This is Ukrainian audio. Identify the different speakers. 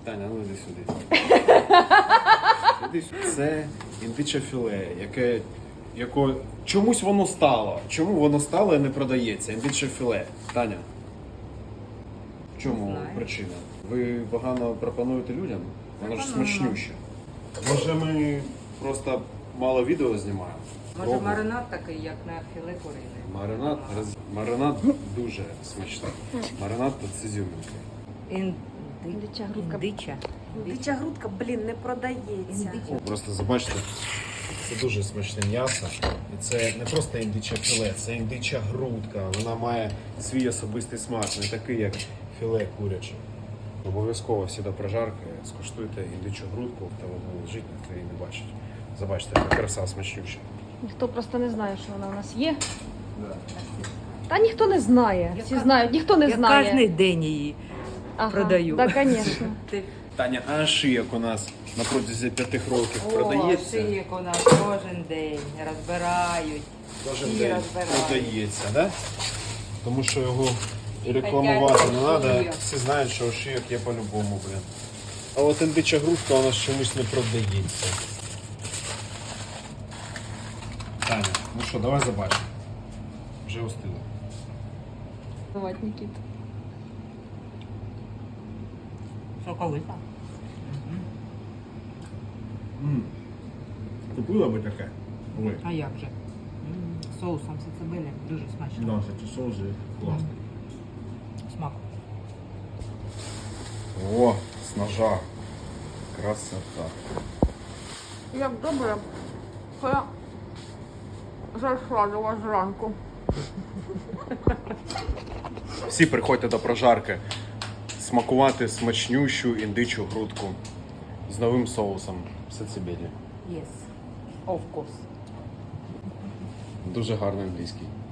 Speaker 1: Таня, ну іди сюди. Іди сюди. Це індиче філе, яке чомусь воно стало. Чому воно стало і не продається? Індиче філе. Таня. В чому причина? Ви погано пропонуєте людям? Воно ж смачнюще. Може ми просто мало відео знімаємо?
Speaker 2: Може маринад такий, як на філе курине?
Speaker 1: Маринад дуже смачний. Маринад це зюминки.
Speaker 3: Індича грудка.
Speaker 2: Індича грудка, блін, не продається.
Speaker 1: Просто забачте, це дуже смачне м'ясо. І це не просто індиче філе, це індича грудка. Вона має свій особистий смак, не такий, як філе куряче. Обов'язково всі до прожарки скуштуйте індичу грудку, та вона лежить, ніхто її не бачить. Забачте, яка краса смачнюща.
Speaker 3: Ніхто просто не знає, що вона у нас є.
Speaker 1: Да.
Speaker 3: Та ніхто не знає. Всі знають, ніхто не
Speaker 2: Я
Speaker 3: знає.
Speaker 2: кожен день її продаю.
Speaker 3: Так, звісно.
Speaker 1: Таня, а шиєк у нас на протязі 5 років продається?
Speaker 2: Шиєк у нас кожен день розбирають.
Speaker 1: Кожен
Speaker 2: і
Speaker 1: день
Speaker 2: розбирають.
Speaker 1: продається, да? Тому що його і рекламувати не треба.
Speaker 2: Хотять,
Speaker 1: Всі знають, що шиєк є по-любому, блін. А от індича грудка у нас чомусь не продається. Таня, ну що, давай забачимо. Вже остило.
Speaker 3: Давай, Нікіт.
Speaker 2: Соковита.
Speaker 1: Купила би таке? Ой.
Speaker 2: А як же? Соусом сацебелі дуже смачно.
Speaker 1: Да, кстати, соус же класний.
Speaker 2: Смак.
Speaker 1: О, з ножа. Красота.
Speaker 3: Як добре, що я зайшла до вас зранку.
Speaker 1: Всі приходьте до прожарки смакувати смачнющу індичу грудку з новим соусом сацебелі.
Speaker 2: Yes. Of course.
Speaker 1: Дуже гарний англійський.